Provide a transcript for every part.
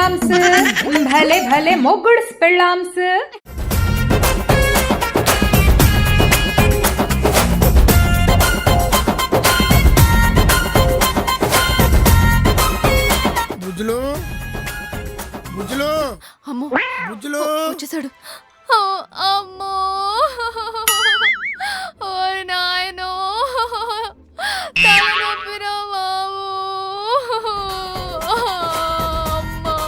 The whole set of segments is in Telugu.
పెళ్ళాంస్ భలే భలే మొగుడ్స్ పెళ్ళాంస్. బుజ్జులు బుజ్జులు అమ్మో బుజ్జులు వచ్చేసాడు. అమ్మో ఓ నాయనో తలనొప్పిరా బాబు. అమ్మా.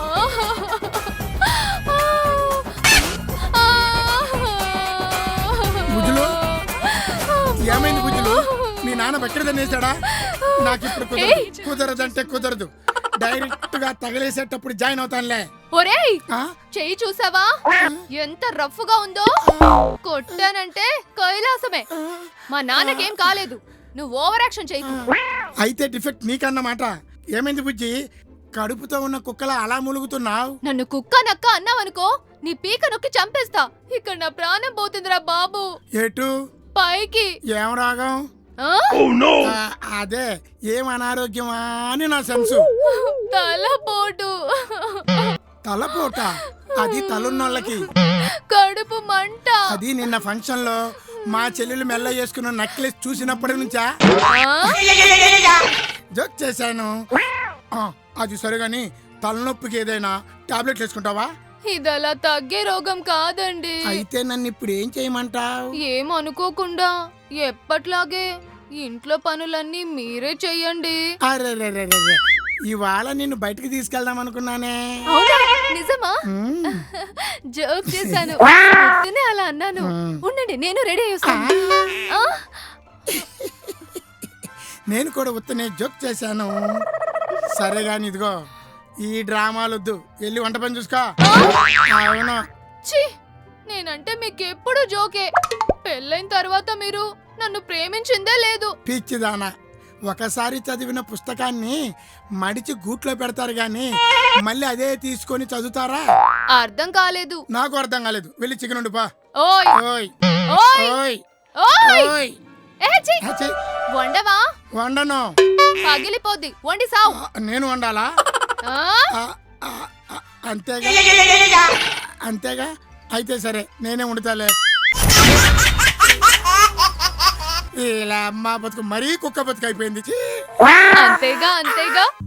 బుజ్జులు ఏమైంది బుజ్జులు? మీ నాన్న బకెట్ తన్నేశాడా? నాకు ఇప్పుడు కుదరదంటే కుదరదు. డైరెక్ట్ గా తగిలేసేటప్పుడు జాయిన్ అవుతానులే. ఒరేయ్ ఆ? చెయ్యి చూసావా ఎంత రఫ్ గా ఉందో? కొట్టానంటే కైలాసమే. మా నాన్నకేం కాలేదు, నువ్వు ఓవర్ యాక్షన్ చెయ్యి. అయితే డిఫెక్ట్ నీకన్నమాట. ఏమైంది బుజ్జి? కడుపుతో ఉన్న కుక్కలా అలా ములుగుతున్నావు. నన్ను కుక్క నక్క అన్నావనుకో నీ పీక నొక్కి చంపేస్తా. ఇక్కడ నా ప్రాణం పోతుందిరా బాబు. ఎటు? పైకి. ఏం రాగం? ఆ? అదే ఏం అనారోగ్యమా అని నా సెన్సు. తలపోటు. తలపోట అది తలున్నోళ్ళకి. కడుపు మంట. అది నిన్న ఫంక్షన్ లో మా చెల్లెలు మెల్ల చేసుకున్న నెక్లెస్ చూసినప్పటి నుంచా జోక్ చేశాను. అది సరిగాని తలనొప్పికి ఏదైనా టాబ్లెట్ వేసుకుంటావా? ఇదలా తగ్గే రోగం కాదండి. అయితే నన్ను ఇప్పుడు ఏం చేయమంటావు? ఏమనుకోకుండా ఎప్పట్లాగే ఇంట్లో పనులన్నీ మీరే చెయ్యండి. అరే ఇవాళ నిన్ను బయటకు తీసుకెళ్దాం అనుకున్నానే. అవునా? నిజమా? జోక్ చేశాను. పొద్దునే అలా అన్నాను. ఉండండి నేను రెడీ అయ్యేస్తాను. నేను కూడా ఉత్తనే జోక్ చేశాను. సరే గాని ఇదిగో ఈ డ్రామాలొద్దు, వెళ్ళి వంట పని చూసుకో. అవును. ఛీ, నేనంటే మీకెప్పుడు జోకే. పెళ్ళైన తర్వాత మీరు నన్ను ప్రేమించిందే లేదు. పిచ్చిదానా, ఒకసారి చదివిన పుస్తకాన్ని మడిచి గూట్లో పెడతారు గాని మళ్ళీ అదే తీసుకొని చదువుతారా? అర్థం కాలేదు. నాకు అర్థం కాలేదు. వెళ్ళి చికెన్ వండు పా. ఓయ్ ఓయ్ ఓయ్ ఓయ్ ఓయ్. ఓయ్. ఏ ఛీ, ఛీ, వండవా? వండను. పగిలిపోద్ది, వండి సావు. నేను వండాలా? ఆ? అంతేగా అంతేగా. అయితే సరే నేనే వండుతాలే. ఇలా అమ్మ బతుకు మరీ కుక్క బతుకు అయిపోయింది. అంతేగా అంతేగా.